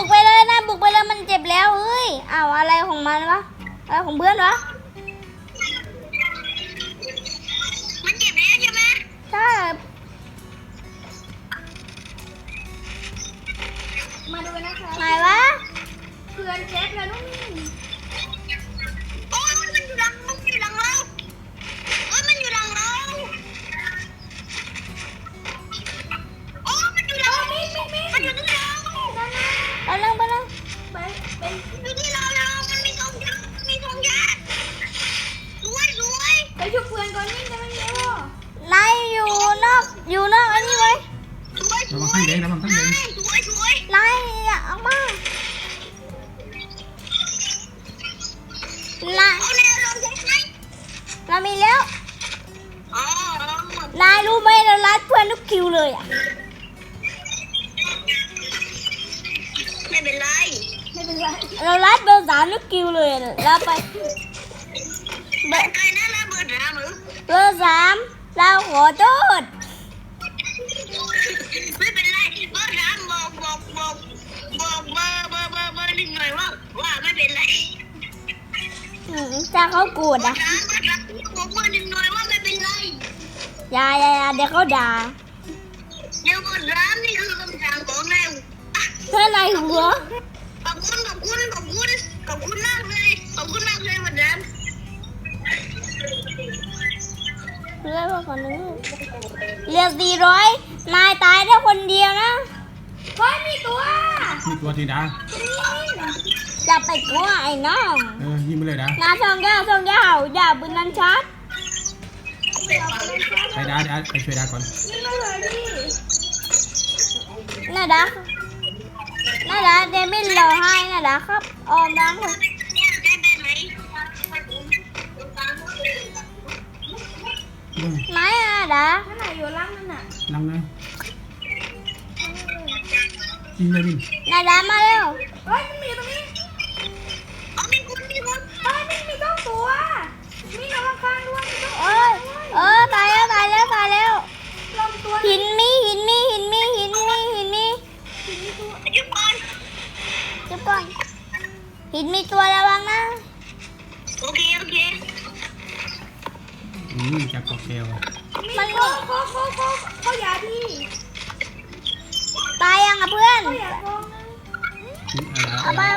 บุกไปเลยนะบุกไปเลยมันเจ็บแล้วเฮ้ยอ้าวอะไรของมันวะอะไรของเพื่อนวะมันเจ็บแล้วใช่ไหมใช่มาดูนะคะไหนวะเพื่อนเจ็บแล้วนุ่มโอ้ยมันอยู่หลังเราโอ้ยมันอยู่หลังเราโอ้ยมันอยู่หลังมันอยู่ที่เราไปเลยไปเป็นอยู่ที่เรามันมีทองยาสวยไปชุบเพื่อนก่อนนี่จะไม่เร็วนายอยู่นอกอันนี้ไว้ระวังข้างแดงระวังข้างแดงสวยนายอย่าออกมา นายเอาแนวลงใช่ไหมเรามีแล้วอ๋อนายรู้ไหมเราลัดเพื่อนทุกคิวเลยอ่ะไม่เป็นไรไม่เป็นไรเราลัดเบอร์3ทุกคิวเลยอะเราไปเบอร์ใครนั่นนะเบอร์3หรือเบอร์3เราขอโทษไม่เป็นไรเบอร์3บอกเบอร์1หน่อยว่าไม่เป็นไรถ้าเขาโกรธอ่ะบอกเบอร์1หน่อยว่าไม่เป็นไรอย่าเดี๋ยวเขาด่าเดี๋ยวเบอร์3นี่คือคำสั่งของนายเพื่อนนายหัวขอบคุณมากเลยเบอร์3 เพื่อนพวกคนนึงเรียก400นายตายได้คนเดียวนะเฮ้ยมีตัวมีตัวทีดาจะไปกลัวไอ้น้องยิงไปเลยดานาช่องยาวอย่าปืนนั้นชัดไปดาไปช่วยดาก่อนนี่มาเลยดิน่าดักเดมินเราให้น่าดักครับออมดังเลยเนี่ยได้เป็นไหมไหนอ่ะดักข้างไหนอยู่ล่างนั่นน่ะนั่งเลยยิงเลยบินน่าดักมาเร็วเฮ้ยมันมีตรงนี้อ๋อมีคนเฮ้ยมีต้องตัวมีน้องข้างด้วยมีต้องตายแล้วลงตัวหินมียุบก่อนจุบก่อนหินมีตัวระวังนะโอเคจากกอกแก้วมันเขาอย่าพี่ตายยังอ่ะเพื่อนเขาอย่าโกงนะเอาไป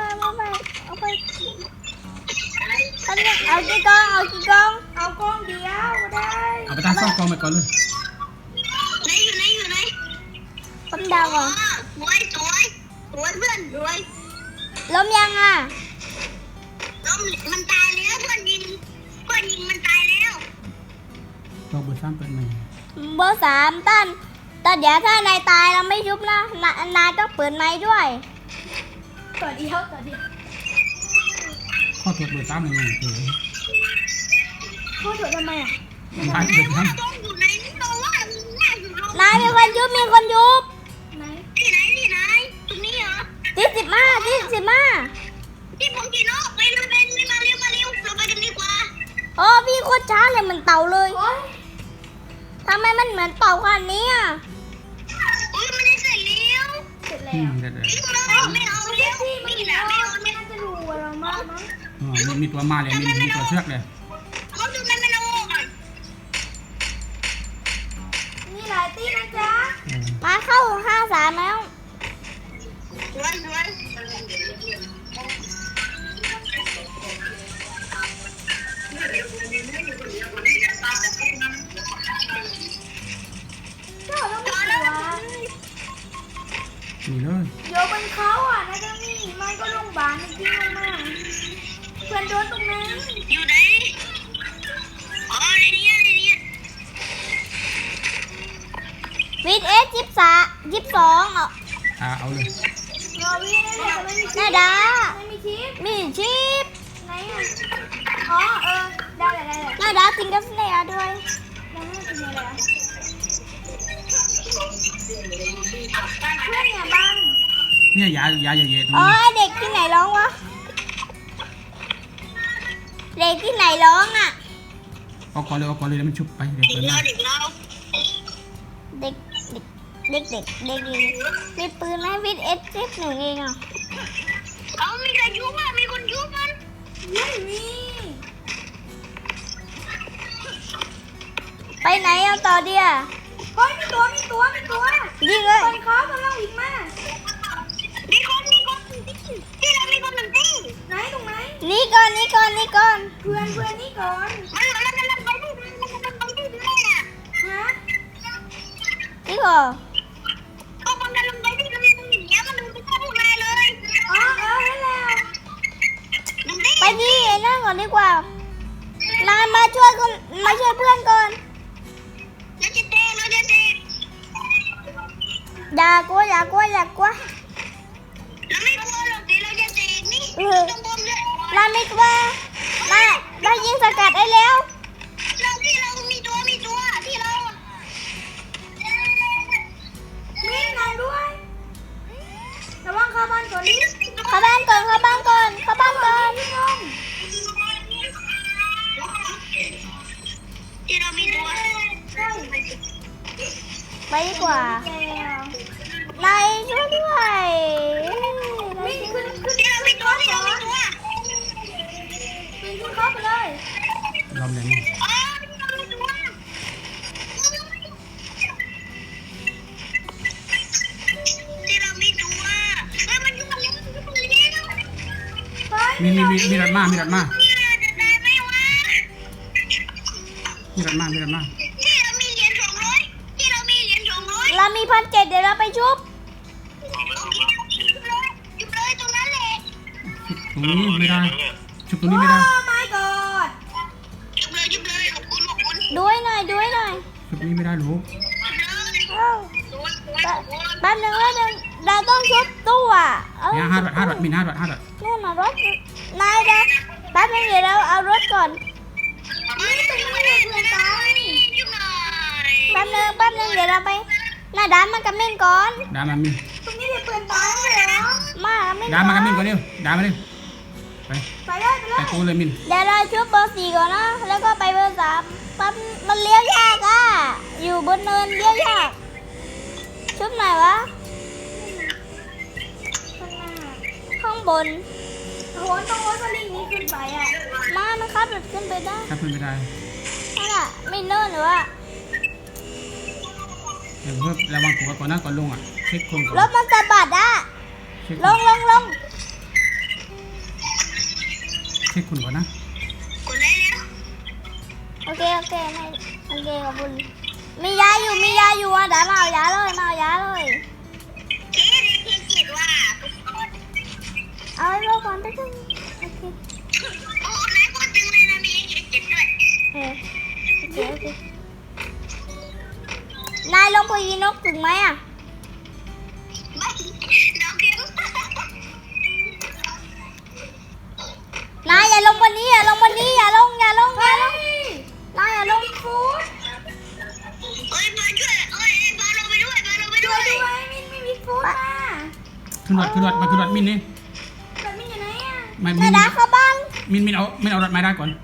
เอากี่กองเอากองเดียวได้เอาไปตั้งซ่องกองไปก่อนเลยอยู่ไหนผมเดาก่อนสวยเพื่อนสวยล้มยังอ่ะล้มมันตายแล้วเพื่อนยิงมันตายแล้วตัวเบอร์3เปิดใหม่เบอร์3ตั้นแต่เดี๋ยวถ้านายตายเราไม่ยุบนะนายต้องเปิดไม้ด้วยต่อเดียวข้อตรวจเบอร์3ยังไงเขาถอดทำไมอ่ะตายเบอร์3 ต้องอยู่ไหนนี่ตัวว่าอยู่นายมีคนยุบไหนที่ไหนตรงนี้เหรอที่15 ที่ผมกินเนาะไปเร็วเราไปกันดีกว่าโอ้พี่โคตรช้าเลยเหมือนเต่าเลยโอ๊ยทำไมมันเหมือนเต่าขนาดนี้อ่ะอุ้ยมันได้เสร็จแล้วเสร็จอืแล้วมเด็ดไม่เอาแล้วพี่ไม่ไม่ดีนะแล้วไม่น่าจะรู้ว่าเรามากมั้งมีตัวมาเลยมีตัวเชือกเลยเขาดูมันไม่เอาก่อนมีหลายตีนะจ๊ะมาเข้า53แล้วสวยเจ้าต้องมีตัวนี่เลยเดี๋ยวบนเขาอ่ะนะเจ้านี่มันก็ลงบานจริงลงมาเพื่อนโดนตรงนั้นอยู่ไหนอ๋อในนี้วิทเอส22 เอาเลยรอวิ่งได้แต่ไม่มีน่าดักไม่มีทิปมีชีพไหนอ่ะอ๋อได้เลยน่าดักซิงเกิลสเนียด้วยแล้วมันเป็นอะไรอ่ะเพื่อนเนี่ยบังเนี่ยยาเยอะๆตรงอ๋อนี้เด็กที่ไหนร้องวะ เด็กที่ไหนร้องอ่ะเอาก่อนเลยแล้วมันชุบไปเดี๋ยวเปิดหน้าเด็กเราเด็กเด็กมีปืนไหมวิทเอสหนึ่งเองอ่ะเอามีใครยุบอ่ะมีคนยุบมันไม่มีไปไหนเอาต่อเดียเฮ้ยมีตัวยิงเลยคนเขากำลังวิ่งมามีคนที่เรามีคนหนึ่งที่ไหนตรงไหนนี่ก่อนเพื่อนนี่ก่อนมันกำลังไปที่เลยอ่ะฮะนี่ก่อนก็มันกำลังไปที่ตรงนี้มันดูเข้ามาเลยอ๋อได้แล้วดูดิไปที่ไอ้นั่นก่อนดีกว่านายมาช่วยเพื่อนก่อนเราจะเตะอย่ากลัวเราไม่กลัวหรอกเดี๋ยวเราจะเตะนี่ตรงบนเลยนายไม่กลัวนายยิงสกัดได้แล้วที่เรามีตัวที่เรามีนายด้วยระวังเข้าบ้านก่อนดิเข้าบ้านก่อนพี่น้องที่เรามีตัวใช่ไปดีกว่าแกนายช่วยด้วยวิ่งขึ้นที่เรามีตัววิ่งขึ้นเข้าไปเลยยอมเลยอ๋อที่เรามีตัวเฮ้ยมันอยู่กันแล้วมีรถมาจะได้ไหมวะมีรถมาที่เรามีเหรียญ200 เรามี1,700เดี๋ยวเราไปชุบอยู่เลยตรงนั้นแหละตรงนี้ไม่ได้ชุบตรงนี้ไม่ได้โอ้ my god จุบเลยขอบคุณด้วยหน่อยชุบนี้ไม่ได้หรอกเอ้าแป๊บนึงเราต้องชุบตู้อ่ะเอ้าเนี่ย5 บาทมี5 บาทนู่นน่ะรถนายนะแป๊บนึงเดี๋ยวเราเอารถก่อน แป๊บนึงเดี๋ยวเราไปหน้าด้านมันกับมินก่อนดามามินตรงนี้เด็กเปื่อนตายเลยเหรอมากับมินดามากับมินก่อนเร็วดามาเร็วไปไปเลยไปกูเลยมินเดี๋ยวเราชุบเบอร์ 4ก่อนนะแล้วก็ไปเบอร์ 3ปั๊บมันเลี้ยวยากอ่ะอยู่บนเนินเลี้ยวยากชุบไหนวะข้างหน้าข้างบนโหนต้องโหนสลิงนี้ขึ้นไปอ่ะมันขับรถขึ้นไปได้ถ้าเพื่อนไม่ได้นั่นแหละไม่เนินหรือว่าเดี๋ยวเพิ่มระวังตัวก่อนนะก่อนลงอ่ะเช็คคนก่อนรถมันสะบัดอ่ะเช็คลงเช็คคนก่อนนะโอเคไม่โอเคขอบคุณมียาอยู่อ่ะเดี๋ยวมาเอายาเลยเอาไว้รอก่อนได้ไหมโอเคโอเคนายลงไปยิงนกถึงไหมอ่ะนายอย่าลงบนนี้อย่าลงนายอย่าลงฟูดช่วยด้วยมินไม่มีฟูดมาขึ้นรถมินนี่แบบมินอยู่ไหนอ่ะไม่นายดาเข้าบ้านมินเอารถไม้ได้ก่อน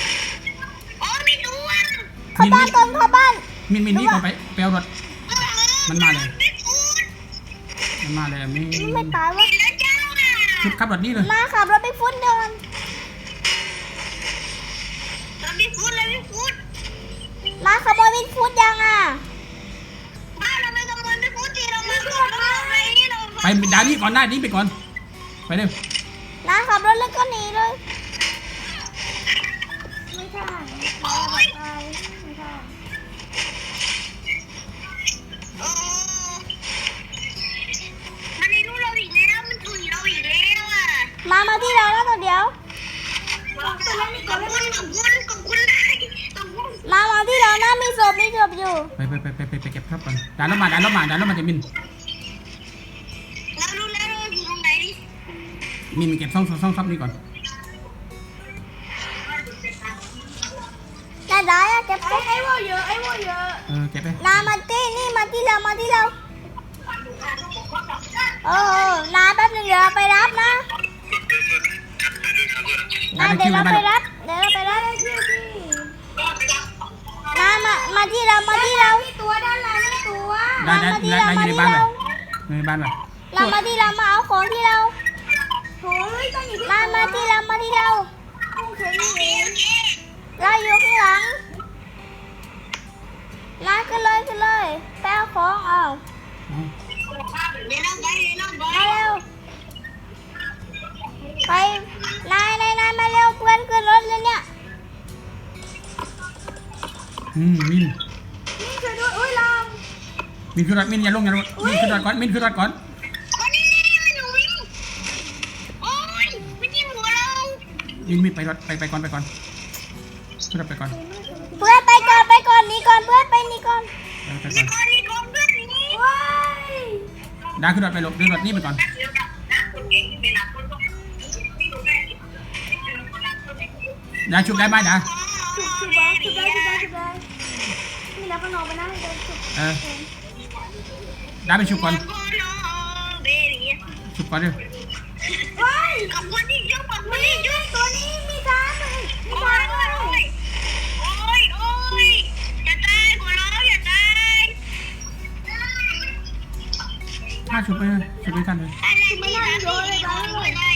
เข้าบ้านก่อนเข้าบ้านมินนี่ก่อนไปเอารถมันมาเลยมินไม่ตายวะชุบขับรถนี่เลยมาขับรถไปฟุ้นเดินมาขโมยวินฟุ้นยังอ่ะไปดานี่ก่อนได้นี่ไปก่อนไปเร็วนาขับรถแล้วก็หนีเลยไม่ใช่ไม่ใช่มาที่เราแล้วตัวเดียวตัวเล่นนี่ก่อนเล่นมาที่เรานะมีศพอยู่ไปเก็บครับก่อนดันรถมาจะมินเก็บซ่องซับนี่ก่อนนายได้อะเก็บศพไอ้วัวเยอะเก็บไปนามาที่เราโอ้นาแป๊บนึงเดี๋ยวเราไปรับนะนาเดี๋ยวเราไปรับนามาที่เรามีตัวด้านหลังมีตัวได้มาได้ที่ได้เราได้อมายู่ในที่บ้านไปเราในบ้านไปเรามาที่เรามาเอาของที่เราโถ่เฮ้ยต้องอยู่ที่มาที่เรามาที่เราโอเคนี่เองเราอยู่ข้างหลังมาขึ้นเลยไปเอาของเอาอ๋อเดี๋ยวเราไปเดี๋ยวเราไปมาเร็วไปนายมาเร็วเพื่อนขึ้นรถเลยเนี่ยมินนี่ช่วยด้วยอุ้ยลามมินขึ้นรถมินอย่าลงอย่าลงมินขึ้นรถก่อนมินขึ้นรถก่อนคนนี้มันหนูโอ้ยมันยิงหัวเรามินไปรถไปก่อนขึ้นรถไปก่อนเพื่อนไปก่อนหนีก่อนเพื่อนไปหนีก่อนไปก่อนคนนี้คนเพื่อนนี้ว้ายดาขึ้นรถไปหลบขึ้นรถนี่ไปก่อนดาชุบได้ไหมดาชุบได้มีแล้วก็นอนไปนะเดินชุบดาไปชุบก่อนเบบี้ชุบก่อนเร็วว้ายกับคนที่ยุ่งกับคนนี่ที่ยุ่งตัวนี้มีซ้ำเลยมีโอ้ซ้ำยเลยโอ้ยอย่าตายหัวเราอย่าตายถ้าชุบไปทันเลยอะไรที่ทำให้หัวเราได้